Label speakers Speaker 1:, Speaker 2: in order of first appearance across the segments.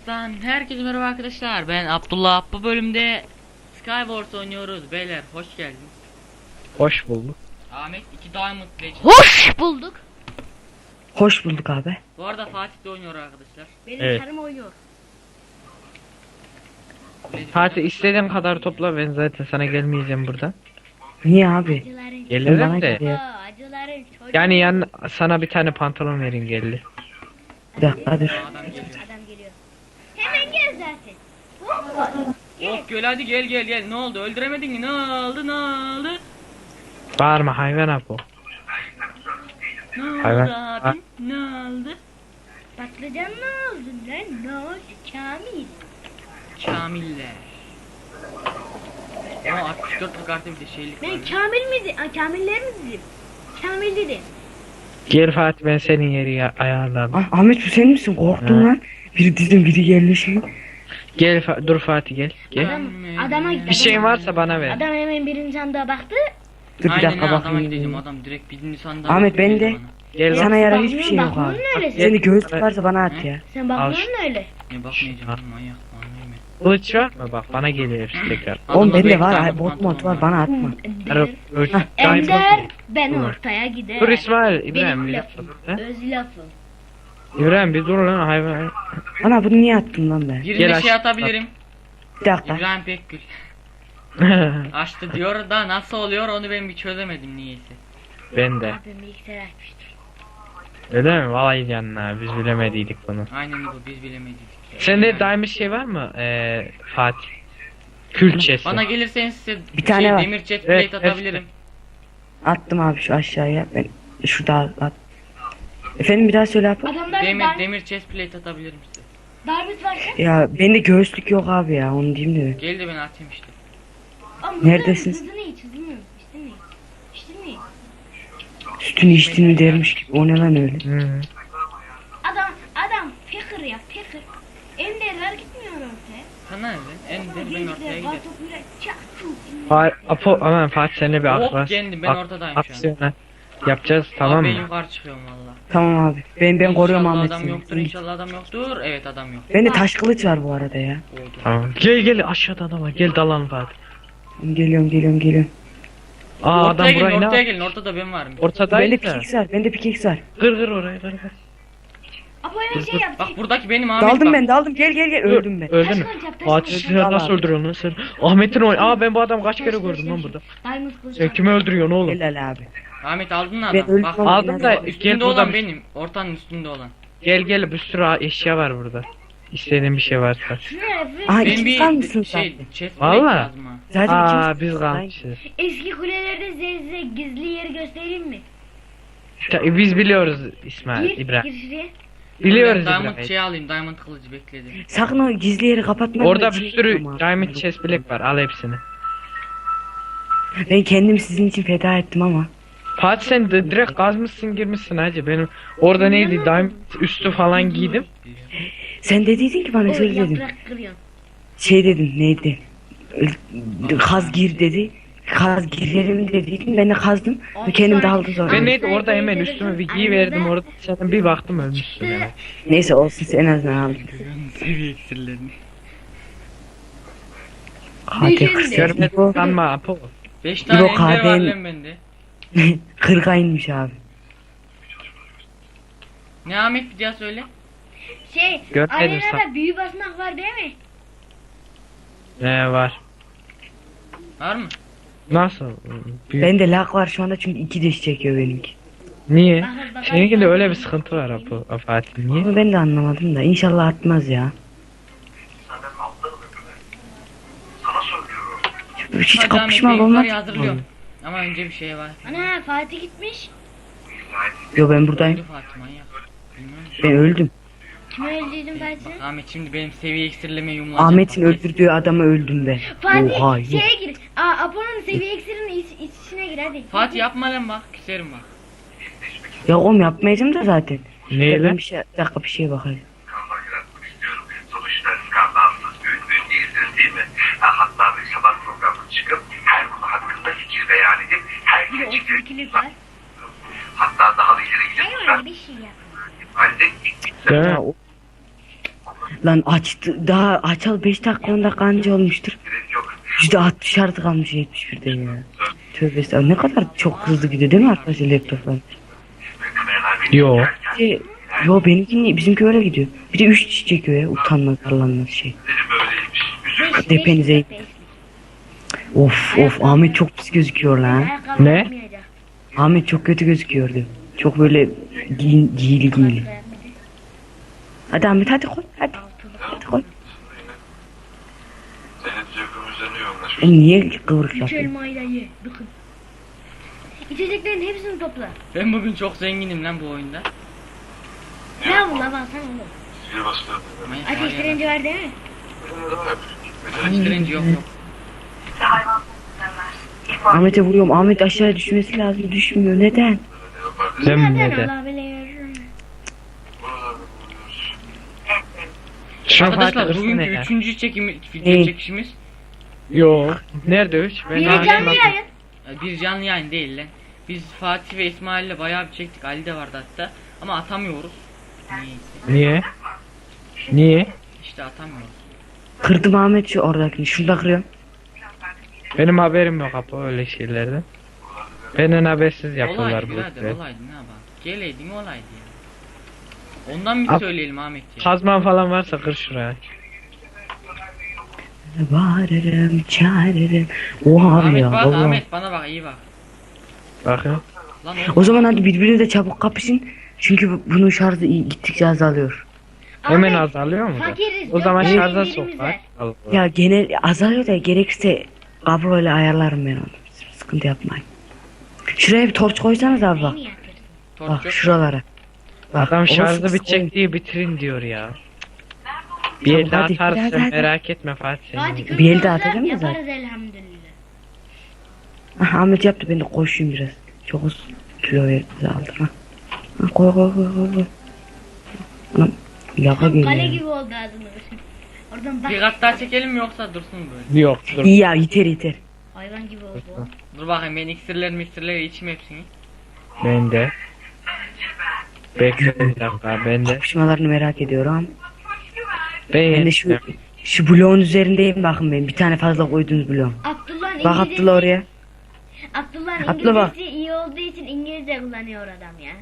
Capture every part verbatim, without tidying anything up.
Speaker 1: Ben herkese merhaba arkadaşlar. Ben Abdullah. Bu bölümde Skywars oynuyoruz beyler. Hoş geldiniz.
Speaker 2: Hoş bulduk.
Speaker 1: Ahmet iki Diamond Legend.
Speaker 3: Hoş bulduk.
Speaker 2: Hoş bulduk abi.
Speaker 1: Bu arada Fatih de oynuyor arkadaşlar.
Speaker 3: Benim
Speaker 2: Evet.
Speaker 3: karım oynuyor.
Speaker 2: Fatih istediğin kadar topla, ben zaten sana gelmeyeceğim buradan.
Speaker 4: Niye abi?
Speaker 3: Acıların
Speaker 2: Gelirim
Speaker 4: Bana
Speaker 2: de.
Speaker 4: geliyor.
Speaker 3: Aa, acıların çocuğu.
Speaker 2: Yani yan sana bir tane pantolon verin geldi.
Speaker 4: Bir dakika dur.
Speaker 1: Adam geliyor.
Speaker 3: Adam geliyor. Hemen gel zaten. Hoppa.
Speaker 1: Oh gel hadi gel gel gel. Ne oldu? Öldüremedin mi? Ne oldu? Ne oldu?
Speaker 2: Bağırma hayvan abi o.
Speaker 1: Ne oldu
Speaker 2: Hayvan.
Speaker 1: abi? Ne oldu?
Speaker 3: Patlıcan ne oldu lan? Ne oldu Kamil?
Speaker 1: Kamiller. Ama altmış dört kartı bir de şeylik var.
Speaker 3: Ben Kamil miydi? Aa, Kamiller mi dedim? Kamil dedim.
Speaker 2: Gel Fatih, ben senin yeri ya- ayarladım.
Speaker 4: Ah, Ahmet bu sen misin? Korktum
Speaker 2: Ha.
Speaker 4: lan. Biri dedim biri yerleşiyor.
Speaker 2: Gel Fa- dur Fatih gel. Gel.
Speaker 3: Adam, adama
Speaker 2: Bir şeyin varsa bana ver.
Speaker 3: Adam hemen birinci sandığa baktı.
Speaker 4: Dur bir
Speaker 1: Aynen
Speaker 4: dakika
Speaker 1: ha, adama gideceğim.
Speaker 4: bakayım.
Speaker 1: Adam direkt birinci sandığa.
Speaker 4: Ahmet, ben
Speaker 1: bakıyor
Speaker 4: de-
Speaker 1: bana.
Speaker 2: Gel bak.
Speaker 4: Sana yarar
Speaker 3: Bakmıyorsun,
Speaker 4: hiçbir şey yok abi.
Speaker 3: bakmıyorsun öyle sen.
Speaker 4: Senin göğüs varsa bana at ya.
Speaker 3: Sen bakmıyorsun öyle.
Speaker 1: Ne bakmayacağım manyak manyak.
Speaker 2: Kılıç var mı? Bak bana geliyor hepsi tekrar.
Speaker 4: Oğlum
Speaker 1: Adamda
Speaker 4: bende
Speaker 1: beş
Speaker 4: var.
Speaker 1: tane
Speaker 4: Ay, bot
Speaker 1: pantolon
Speaker 4: mod var bana atma.
Speaker 2: Alo, dur.
Speaker 3: Ender ben
Speaker 2: Dur.
Speaker 3: ortaya gider.
Speaker 2: Dur İsmail, İbrahim
Speaker 3: Benim
Speaker 2: bir
Speaker 3: lafım.
Speaker 2: dakika.
Speaker 3: Öz lafım.
Speaker 2: İbrahim bir dur lan hayvan.
Speaker 4: Ana bunu niye attın lan ben?
Speaker 1: Birine
Speaker 2: Gel
Speaker 1: şey
Speaker 2: aç-
Speaker 1: atabilirim.
Speaker 4: Bir dakika.
Speaker 1: İbrahim Pekgül. Açtı diyor da nasıl oluyor onu ben bir çözemedim niyeyse.
Speaker 2: Ben de.
Speaker 3: Abim bilgisayar açmıştır.
Speaker 2: Öyle mi? Vallahi canına biz bilemediydik bunu.
Speaker 1: Aynen bu biz bilemedik.
Speaker 2: Sende
Speaker 1: Yani.
Speaker 2: daimi şey var mı? Ee, Fatih. Külçesi.
Speaker 1: Bana gelirseniz size
Speaker 4: Bir tane
Speaker 1: şey,
Speaker 4: var.
Speaker 1: demir jet
Speaker 2: Evet,
Speaker 1: plate atabilirim.
Speaker 4: Attım abi şu aşağıya. Ben şurada at. Efendim bir daha söyle abi.
Speaker 3: Adamlar
Speaker 1: Demir
Speaker 3: dar,
Speaker 1: demir chest plate atabilirim size.
Speaker 3: darbit varsa.
Speaker 4: Ya bende göğüslük yok abi ya onu diyeyim de.
Speaker 1: Gel de ben atayım işte.
Speaker 3: Ama
Speaker 4: Neredesin?
Speaker 3: Hızını iç hızını. İçtin mi? İçtin mi?
Speaker 4: Sütünü içtiğini dermiş gibi. O ne lan öyle?
Speaker 2: Hı.
Speaker 3: Adam adam fikir ya fikir. Enderler gitmiyor ortaya.
Speaker 1: Sana ne lan? Ender ben ortaya giderim.
Speaker 3: Kartopuyla çaktım.
Speaker 2: Fa Apo aman Fatih seninle bir
Speaker 1: Hop
Speaker 2: aklas.
Speaker 1: geldim ben
Speaker 2: ak-
Speaker 1: ortadayım şu an.
Speaker 2: aksiyona yapacağız tamam
Speaker 1: Abi ben
Speaker 2: mı?
Speaker 1: yukarı çıkıyorum valla.
Speaker 4: Tamam abi. Ben ben koruyorum
Speaker 1: İnşallah
Speaker 4: Ahmet
Speaker 1: adam
Speaker 4: seni.
Speaker 1: yoktur inşallah adam yoktur. Evet adam yok.
Speaker 4: Bende taş kılıç var bu arada ya.
Speaker 1: Oldu.
Speaker 2: Tamam. Gel gel aşağıda adam var. Gel dalalım Fatih.
Speaker 4: Geliyorum geliyorum geliyorum.
Speaker 2: Aa
Speaker 1: Ortaya
Speaker 2: adam
Speaker 1: gelin
Speaker 2: burayı ne
Speaker 1: ortaya
Speaker 2: yap?
Speaker 1: gelin ortada ben varım.
Speaker 4: Bende
Speaker 2: Ortadaydı da.
Speaker 4: pickaxe var. Bende pickaxe var.
Speaker 2: Kır kır orayı kır kır.
Speaker 3: Apo'ya şey yap.
Speaker 1: Bak buradaki benim Ahmet
Speaker 4: Daldım
Speaker 1: bak.
Speaker 4: ben daldım. Gel gel gel. Öldüm ben.
Speaker 2: Öldün mü?
Speaker 3: Taş kılıç yap, taş
Speaker 2: Fatih
Speaker 3: kılıç
Speaker 2: sen
Speaker 4: yap.
Speaker 2: nasıl
Speaker 4: Al abi.
Speaker 2: öldürüyorsun lan sen? Ahmet'in oy. Aa ben bu adamı kaç kere
Speaker 3: Taş kılıç
Speaker 2: gördüm lan
Speaker 3: yap.
Speaker 2: burada.
Speaker 3: Diamond kılıç
Speaker 2: Sen
Speaker 3: yap.
Speaker 2: kimi öldürüyorsun oğlum?
Speaker 4: Helal abi.
Speaker 1: Ahmet aldın mı
Speaker 4: Ben
Speaker 1: adam?
Speaker 4: öldüm
Speaker 1: Bak
Speaker 4: ama
Speaker 2: aldım da
Speaker 4: biraz-
Speaker 2: gel
Speaker 1: üstünde
Speaker 2: burada
Speaker 1: olan
Speaker 2: bir-
Speaker 1: benim. Ortanın üstünde olan.
Speaker 2: Gel gel bir sürü eşya var burada. İstediğin bir şey varsa.
Speaker 3: Şuraya bir
Speaker 4: Aha
Speaker 1: Ben
Speaker 4: ikimiz
Speaker 1: bir
Speaker 4: kalmışsın
Speaker 1: şey
Speaker 4: zaten.
Speaker 1: chest plate
Speaker 2: Valla.
Speaker 1: lazım ha.
Speaker 4: Zaten
Speaker 2: Aa
Speaker 4: ikimiz
Speaker 2: biz kalmışız.
Speaker 3: eski kulelerde size gizli yeri göstereyim mi?
Speaker 2: Ta- Biz biliyoruz İsmail
Speaker 3: Gir,
Speaker 2: İbrahim.
Speaker 3: gir şuraya.
Speaker 2: Biliyoruz
Speaker 1: Diamond
Speaker 2: İbrahim.
Speaker 1: şey alayım diamond kılıcı bekledim.
Speaker 4: Sakın o gizli yeri kapatma.
Speaker 2: Orada
Speaker 4: Ben
Speaker 2: bir
Speaker 4: şey
Speaker 2: sürü
Speaker 4: yapıyorum abi.
Speaker 2: diamond chest bilek var. Al hepsini.
Speaker 4: Ben kendim sizin için feda ettim ama.
Speaker 2: Fatih sen de direkt kazmışsın girmişsin hacı. Benim orada neydi diamond üstü falan giydim.
Speaker 4: Sen dediydin ki bana
Speaker 3: O
Speaker 4: şöyle dedin.
Speaker 3: yaprak kırıyorsun.
Speaker 4: Şey dedin neydi? Kaz gir dedi. Kaz girerim dediydin. Ben de kazdım. Ve kendim de aldım sonra.
Speaker 2: Ben neydi orada hemen üstüme bir giy verdim orada zaten bir baktım ölmüşsün hemen.
Speaker 4: Neyse olsun sen en azından aldın.
Speaker 1: Seviye iksirlerini.
Speaker 4: Hadi
Speaker 3: Düşün
Speaker 4: kız.
Speaker 3: de.
Speaker 2: Görmedin sanma Apo.
Speaker 1: beş tane
Speaker 4: İbo
Speaker 1: ender var
Speaker 4: kahven-
Speaker 1: lan bende.
Speaker 4: Kırka inmiş abi.
Speaker 1: Ne Ahmet bir daha söyle.
Speaker 3: Şey,
Speaker 2: Görmedim
Speaker 3: arenada
Speaker 2: sen.
Speaker 3: büyü basmak var değil mi?
Speaker 2: Ne var?
Speaker 1: Var mı?
Speaker 2: Nasıl? Büyük-
Speaker 4: Bende lag var şu anda çünkü iki diş çekiyor benimki.
Speaker 2: Niye?
Speaker 3: Bakın, bakın.
Speaker 2: Seninkinde öyle bir sıkıntı var Apo. Apo Fatih niye?
Speaker 4: Ama ben de anlamadım da inşallah atmaz ya. Hiç
Speaker 1: Hadi
Speaker 4: kapışma
Speaker 1: Ahmet, ben
Speaker 4: olmaz.
Speaker 1: yukarıya hazırlıyorum. Ama önce bir şey var.
Speaker 3: Ana Fatih gitmiş.
Speaker 4: Yo ben buradayım.
Speaker 1: Öldü Fatih manyak. Bilmiyorum.
Speaker 4: Ben öldüm.
Speaker 3: Kime öldürdün
Speaker 1: Bak
Speaker 3: Fatih?
Speaker 1: Ahmet şimdi benim seviye iksirleme yumulacak.
Speaker 4: Ahmet'in
Speaker 1: Bak,
Speaker 4: öldürdüğü adamı öldüm ben.
Speaker 3: Fatih
Speaker 4: Oha yok.
Speaker 3: şeye gir. Aa Apo'nun seviye iksirinin iç, iç içine gir hadi.
Speaker 1: Fatih yapma lan bak küserim bak.
Speaker 4: Ya oğlum yapmayacağım da zaten.
Speaker 2: Neyle?
Speaker 4: Ben bir şey, bir dakika bir şeye bakayım.
Speaker 5: skandal yaratmak istiyorum. Sonuçta skandalsız bir ünlü değildir değil mi? Ha, hatta bir sabah programı çıkıp her konu hakkında fikir beyan edip
Speaker 3: Bir de
Speaker 5: her
Speaker 3: o
Speaker 5: fikir
Speaker 3: tilkilik var.
Speaker 5: hatta daha da ileri gidip
Speaker 3: Hayır öyle bir şey yap.
Speaker 5: halde ilk
Speaker 2: Değil mi?
Speaker 4: Ya o- Lan açtı daha açal beş dakika on dakika anca olmuştur.
Speaker 5: Gerek yok.
Speaker 4: yüzde altmış artı kalmış yetmiş birden ya. Tövbe estağfurullah. Ne kadar çok hızlı gidiyor değil mi arkadaşlar laptoplar?
Speaker 5: Ve kameralar beni
Speaker 2: Yo.
Speaker 5: çekerken
Speaker 4: Şey, yo benimki bizimki öyle gidiyor. Bir de üç kişi çekiyor ya utanmaz arlanmaz şey.
Speaker 5: dedim böyleymiş. Üzülme.
Speaker 3: Beş-
Speaker 4: Depenize-
Speaker 3: beş- beş-
Speaker 4: Of of Ahmet çok pis gözüküyor lan.
Speaker 3: Ayakkabı
Speaker 2: Ne?
Speaker 3: yapmayacak.
Speaker 4: Ahmet çok kötü gözüküyordu. Çok böyle giyin, giyili giyili. Hadi Ahmet hadi koy hadi. Hadi koy.
Speaker 5: Senin zevkın üzerine yoğunlaşmış.
Speaker 4: E niye kıvırık
Speaker 3: Üç
Speaker 4: yapıyorsun?
Speaker 3: elmayı da ye. Bakın. İçeceklerin hepsini topla.
Speaker 1: Ben bugün çok zenginim lan bu oyunda.
Speaker 3: Ne bu la baksana oğlum.
Speaker 5: Bir bastı.
Speaker 1: Manyak var
Speaker 3: Ateş
Speaker 1: ya.
Speaker 3: direnci var değil mi?
Speaker 1: Ateş direnci yok yok.
Speaker 4: Ahmet'e vuruyorum. Ahmet aşağıya düşmesi lazım. Düşmüyor. Neden?
Speaker 2: Sen
Speaker 3: Neden
Speaker 2: neden?
Speaker 3: Allah bilir.
Speaker 2: Şunu
Speaker 1: Arkadaşlar
Speaker 2: Fatih
Speaker 1: bugünkü
Speaker 2: ırsana ya.
Speaker 1: üçüncü çekimi, video
Speaker 4: Ne?
Speaker 1: çekişimiz.
Speaker 2: Yo. Nerede üç? Ben
Speaker 3: Biri
Speaker 2: hala-
Speaker 3: canlı yayın.
Speaker 1: e, Bir canlı yayın değil lan. Biz Fatih ve İsmail'le bayağı bir çektik. Ali de vardı hatta. Ama atamıyoruz. Niyeyse.
Speaker 2: Niye? Niye?
Speaker 1: İşte atamıyoruz.
Speaker 4: Kırdım Ahmet şu oradakini. Şurada kırıyorum.
Speaker 2: Benim haberim yok Apo öyle şeylerden. Benden habersiz yapıyorlar
Speaker 1: Olaydı
Speaker 2: bu
Speaker 1: birader
Speaker 2: işleri.
Speaker 1: olaydı ne yapalım. Geleydin olaydı ya. Ondan bir
Speaker 2: Ab-
Speaker 1: söyleyelim Ahmet ya.
Speaker 2: Kazman falan varsa kır şuraya.
Speaker 4: Bağırırım, çağırırım. Oha abi
Speaker 1: Ahmet
Speaker 4: ya.
Speaker 1: bak
Speaker 4: vallahi.
Speaker 1: Ahmet bana bak iyi bak.
Speaker 2: Bakın.
Speaker 1: Lan
Speaker 4: O zaman hadi birbirinize çabuk kapışın. Çünkü bu- bunun şarjı iyi- gittikçe azalıyor.
Speaker 2: Hemen
Speaker 3: Ahmet,
Speaker 2: azalıyor mu? da?
Speaker 3: fakiriz,
Speaker 2: O zaman
Speaker 3: dört
Speaker 2: şarja
Speaker 3: tane
Speaker 2: sok
Speaker 3: ellerimiz
Speaker 2: bak.
Speaker 3: var.
Speaker 2: Allah.
Speaker 4: Ya genel azalıyor da gerekirse kabloyla ayarlarım ben onu. Sıkıntı yapmayın. Şuraya bir torç koysanız abi bak.
Speaker 3: Beni yatırsın.
Speaker 1: torç
Speaker 4: Bak
Speaker 1: yok.
Speaker 4: şuralara. Bak,
Speaker 2: Adam
Speaker 4: orası
Speaker 2: şarjı
Speaker 4: kısa
Speaker 2: bitecek diye bitirin diyor ya. Bir
Speaker 4: Tamam,
Speaker 2: elde
Speaker 4: hadi,
Speaker 2: atarsın
Speaker 4: hadi, hadi.
Speaker 2: merak etme Fatih
Speaker 3: Fatih
Speaker 2: senin.
Speaker 4: Bir elde
Speaker 3: kızlarsa
Speaker 4: atacağım ya zaten.
Speaker 3: yaparız elhamdülillah.
Speaker 4: Ah, Ahmet yaptı ben de koşayım biraz. Çok az kilo verdi aldı. Ha. Ha, koy koy koy koy. koy. Anam yaka
Speaker 3: Tam kale
Speaker 4: geliyor.
Speaker 3: gibi oldu ağzını. Oradan bak.
Speaker 1: Bir kat daha çekelim mi yoksa dursun böyle.
Speaker 2: Yok dur.
Speaker 4: İyi ya yeter yeter.
Speaker 3: Hayvan gibi oldu.
Speaker 1: Dur bakayım ben iksirler miksirleri içeyim hepsini.
Speaker 2: Ben de. Bekle bir dakika ben de.
Speaker 4: Kapışmalarını merak ediyorum.
Speaker 2: Ben,
Speaker 4: Ben de şu şu bloğun üzerindeyim bakın ben. Bir tane fazla koyduğunuz bloğun.
Speaker 3: Abdullah'ın
Speaker 4: Bak
Speaker 3: İngilizcesi,
Speaker 4: Abdullah oraya.
Speaker 3: Abdullah'ın
Speaker 4: Abdullah bak.
Speaker 3: İngilizcesi iyi olduğu için İngilizce kullanıyor adam ya.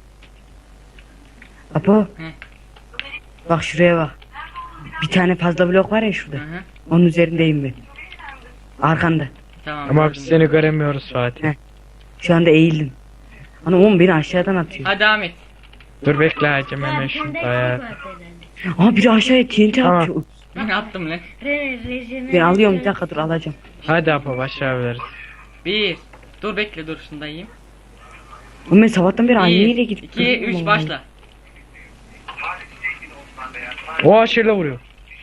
Speaker 4: Apo.
Speaker 1: Hı.
Speaker 4: Bak şuraya bak. Bir tane fazla blok var ya şurada.
Speaker 1: Hı hı.
Speaker 4: Onun üzerindeyim ben. Arkanda.
Speaker 1: Tamam.
Speaker 2: ama
Speaker 1: gördüm.
Speaker 2: biz seni göremiyoruz Fatih.
Speaker 4: Heh. Şu anda eğildim. Ana oğlum beni aşağıdan atıyor.
Speaker 1: Hadi Ahmet.
Speaker 2: Dur bekle hacım
Speaker 3: Ha,
Speaker 2: hemen
Speaker 3: bir tane
Speaker 2: şunu
Speaker 3: de
Speaker 2: ayar.
Speaker 3: eksik vardı herhalde.
Speaker 4: Aa biri aşağıya T N T
Speaker 2: Tamam.
Speaker 4: atıyor.
Speaker 1: Ben attım lan.
Speaker 3: Re rejime-
Speaker 4: Ben alıyorum bir dakika dur alacağım.
Speaker 2: Hadi Apo başlayabiliriz.
Speaker 1: Bir. Dur bekle dur şunu da yiyeyim.
Speaker 4: Oğlum ben sabahtan beri
Speaker 1: Bir,
Speaker 4: anneyle gidip
Speaker 1: iki,
Speaker 4: duruyorum
Speaker 1: üç
Speaker 4: oğlum.
Speaker 1: başla.
Speaker 2: O aşırı vuruyor.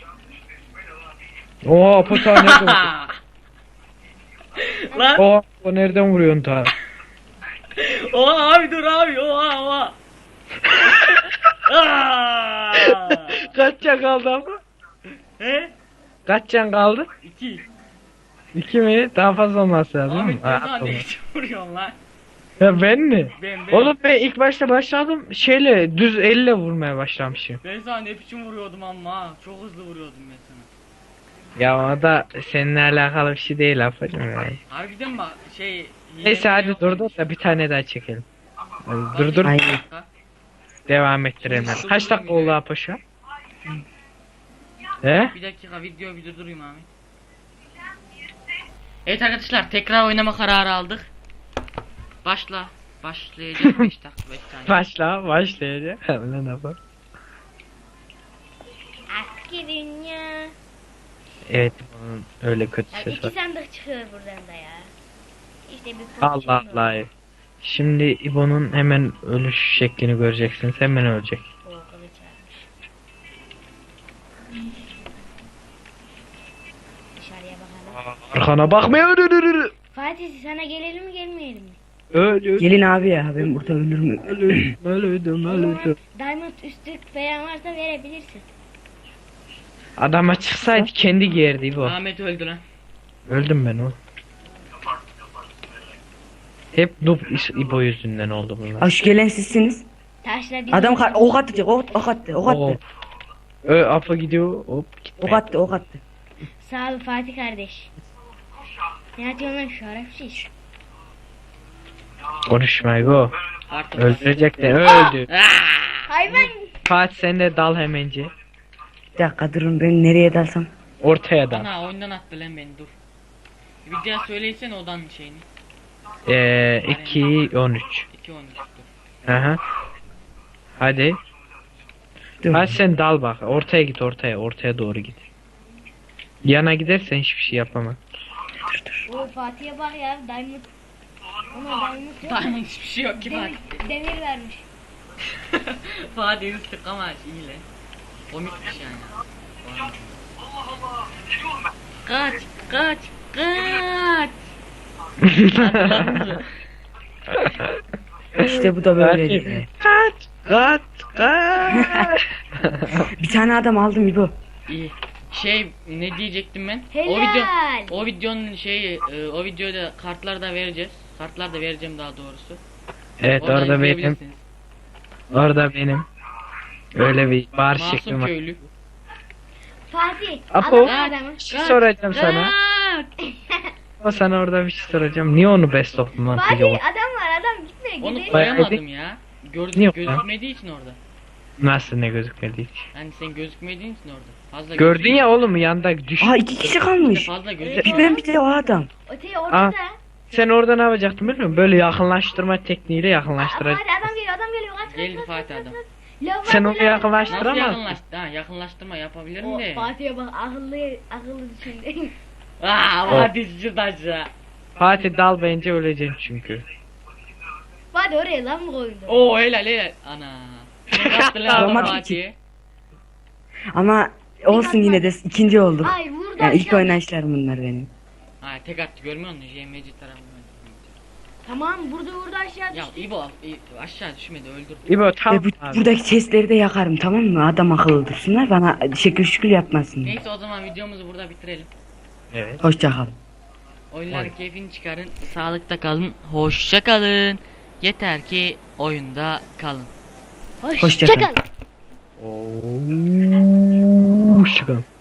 Speaker 2: Oha Apo ta nereden vuruyor?
Speaker 1: Lan.
Speaker 2: Oha Apo nereden vuruyorsun ta?
Speaker 1: Oha abi dur abi oha oha. Aa!
Speaker 2: Kaç can kaldı Apo?
Speaker 1: He?
Speaker 2: Kaç can kaldı?
Speaker 1: İki.
Speaker 2: İki mi? Daha fazla olması lazım.
Speaker 1: Abi
Speaker 2: Abi,
Speaker 1: sen daha ne biçim vuruyorsun lan?
Speaker 2: ya ben mi?
Speaker 1: Ben ben.
Speaker 2: Oğlum ben ilk başta başladım şeyle düz elle vurmaya başlamışım.
Speaker 1: Ben sana ne biçim vuruyordum ama ha. Çok hızlı vuruyordum ben sana.
Speaker 2: Ya o da seninle alakalı bir şey değil Apo'cum ya.
Speaker 1: Harbiden bak şey.
Speaker 2: Neyse
Speaker 1: hile
Speaker 2: hadi
Speaker 1: yok
Speaker 2: dur dur
Speaker 1: demiş.
Speaker 2: da bir tane daha çekelim. Hadi dur dur
Speaker 4: Aynen.
Speaker 2: devam ettirelim. hadi. Kaç dakika oldu Apo şu an? He?
Speaker 1: Bir dakika video bir durdurayım abi. Evet arkadaşlar tekrar oynama kararı aldık. Başla. Başlayacak beş dakika beş saniye.
Speaker 2: Başla başlayacak. Lan Apo.
Speaker 3: Aski dünya.
Speaker 2: Evet bunun öyle kötü
Speaker 3: Ya
Speaker 2: ses
Speaker 3: iki
Speaker 2: var.
Speaker 3: sandık çıkıyor buradan da ya. İşte bir
Speaker 2: Allah
Speaker 3: pozisyon
Speaker 2: Allah. Şimdi İbo'nun hemen ölüş şeklini göreceksiniz. Hemen ölecek.
Speaker 3: O kılıç varmış. Dışarıya bakalım.
Speaker 2: Arkana bakmıyor.
Speaker 3: Fatih sana gelelim mi gelmeyelim mi?
Speaker 2: Ölü.
Speaker 4: Gelin abi ya ben burada ölürüm.
Speaker 2: Ölüdüm, ölüdüm, ölüdüm.
Speaker 3: Diamond üstlük falan varsa verebilirsin.
Speaker 2: Adama çıksaydı kendi giyerdi İbo.
Speaker 1: Ahmet öldü lan.
Speaker 2: Öldüm ben o. Hep noob is- İbo yüzünden oldu bunlar.
Speaker 4: Aa, şu gelen sizsiniz.
Speaker 3: Taşla bir
Speaker 4: Adam kar ok atacak ok, ok attı ok
Speaker 2: Oo.
Speaker 4: attı.
Speaker 2: Ö Apo gidiyor. Hop gitme.
Speaker 4: Ok attı ok attı.
Speaker 3: Sağ ol Fatih kardeş. Ne atıyorsun lan şerefsiz?
Speaker 2: Konuşma Ego.
Speaker 1: Artık.
Speaker 2: Öldürecek de öldü.
Speaker 3: Hayvan.
Speaker 2: Fatih sen de dal hemence.
Speaker 4: Bir dakika durun ben nereye dalsam.
Speaker 2: Ortaya dal.
Speaker 1: Ana oyundan attı lan beni dur. Bir daha söylesene odanın şeyini.
Speaker 2: Eee iki on üç.
Speaker 1: iki on üç dur.
Speaker 2: Aha. Hadi.
Speaker 4: Dur.
Speaker 2: Hadi sen dal bak. Ortaya git ortaya. Ortaya doğru git. Yana gidersen hiçbir şey yapamam.
Speaker 3: O Fatih'e bak ya diamond. Ama diamond yok.
Speaker 1: Diamond hiçbir şey yok ki
Speaker 3: Demir,
Speaker 1: Fatih.
Speaker 3: demir vermiş.
Speaker 1: Fatih üstlük ama iyi lan. Komikmiş yani. Kaç kaç kaç.
Speaker 4: İşte bu da böyle.
Speaker 2: Kaç. Kaç. Kaç.
Speaker 4: Bir tane adam aldım İbo.
Speaker 1: İyi. Şey ne diyecektim ben? O
Speaker 3: Helal.
Speaker 1: video o videonun şeyi e, o videoda kartlar da vereceğiz. Kartlar da vereceğim daha doğrusu.
Speaker 2: Evet
Speaker 1: Oradan
Speaker 2: orada benim.
Speaker 1: izleyebilirsiniz.
Speaker 2: Orada benim. Öyle bir bar şeklim
Speaker 1: Masum
Speaker 2: var.
Speaker 1: köylü.
Speaker 3: Fatih.
Speaker 2: Apo.
Speaker 3: Adam adamı.
Speaker 2: Bir şey soracağım sana. Ama sana orada bir şey soracağım. Niye onu best of lan
Speaker 3: Fatih
Speaker 2: yok?
Speaker 3: adam var adam gitme
Speaker 1: Onu
Speaker 3: gidelim.
Speaker 1: koyamadım ya. Gördüm
Speaker 2: Niye yok
Speaker 1: gözükmediği için orada.
Speaker 2: Nasıl ne gözükmedi hiç?
Speaker 1: Yani sen gözükmediğin için orada. Fazla
Speaker 2: Gördün
Speaker 1: gözükmüyor.
Speaker 2: ya oğlum yanda düş.
Speaker 4: Aa iki kişi
Speaker 1: İşte
Speaker 4: kalmış.
Speaker 1: fazla
Speaker 4: Bir
Speaker 1: gözükmüyor.
Speaker 4: ben bir de o adam.
Speaker 3: Öteye ortada.
Speaker 2: Sen orada ne yapacaktın biliyor musun? Böyle yakınlaştırma tekniğiyle
Speaker 3: Aa,
Speaker 2: yakınlaştıracaksın.
Speaker 3: Fatih adam geliyor adam geliyor. Kaç kaç
Speaker 1: Geldi
Speaker 3: kaç,
Speaker 1: Fatih
Speaker 3: kaç,
Speaker 1: adam.
Speaker 3: kaç. Lav
Speaker 2: Sen
Speaker 3: var,
Speaker 2: onu
Speaker 3: lav var.
Speaker 2: yakınlaştıramazsın.
Speaker 1: Nasıl yakınlaştı? Ha yakınlaştırma yapabilirim
Speaker 3: O
Speaker 1: de.
Speaker 3: Fatih'e bak akıllı akıllı düşündü.
Speaker 1: Aa
Speaker 2: O-
Speaker 1: Fatih şuradan aşağı.
Speaker 2: Fatih dal bence öleceksin çünkü.
Speaker 3: Fatih oraya lan mı koydu?
Speaker 1: Oo helal helal. Ana. Ne yaptı lan
Speaker 4: Olmadı ki.
Speaker 1: Fatih?
Speaker 4: Ama olsun yine de ikinci olduk.
Speaker 3: Ay vurdu
Speaker 4: Yani ilk
Speaker 3: aşağı.
Speaker 4: oynayışlarım bunlar benim.
Speaker 1: Ha tek attı görmüyor musun? J M C tarafından.
Speaker 3: Tamam vurdu vurdu aşağı
Speaker 1: Ya
Speaker 3: düştü.
Speaker 1: İbo İ- aşağı düşmedi öldürdü.
Speaker 2: İbo tam
Speaker 4: Ve bu,
Speaker 2: abi.
Speaker 4: buradaki chestleri de yakarım tamam mı? Adam akıllı dursunlar bana şekil şükür yapmasın.
Speaker 1: Neyse o zaman videomuzu burada bitirelim.
Speaker 2: Evet.
Speaker 4: Hoşça kal.
Speaker 1: Oyunların
Speaker 2: Vay.
Speaker 1: keyfini çıkarın. Sağlıkta kalın. Hoşça kalın. Yeter ki oyunda kalın.
Speaker 4: Hoşça kal.
Speaker 3: Çakal.
Speaker 2: Oo, çıkalım.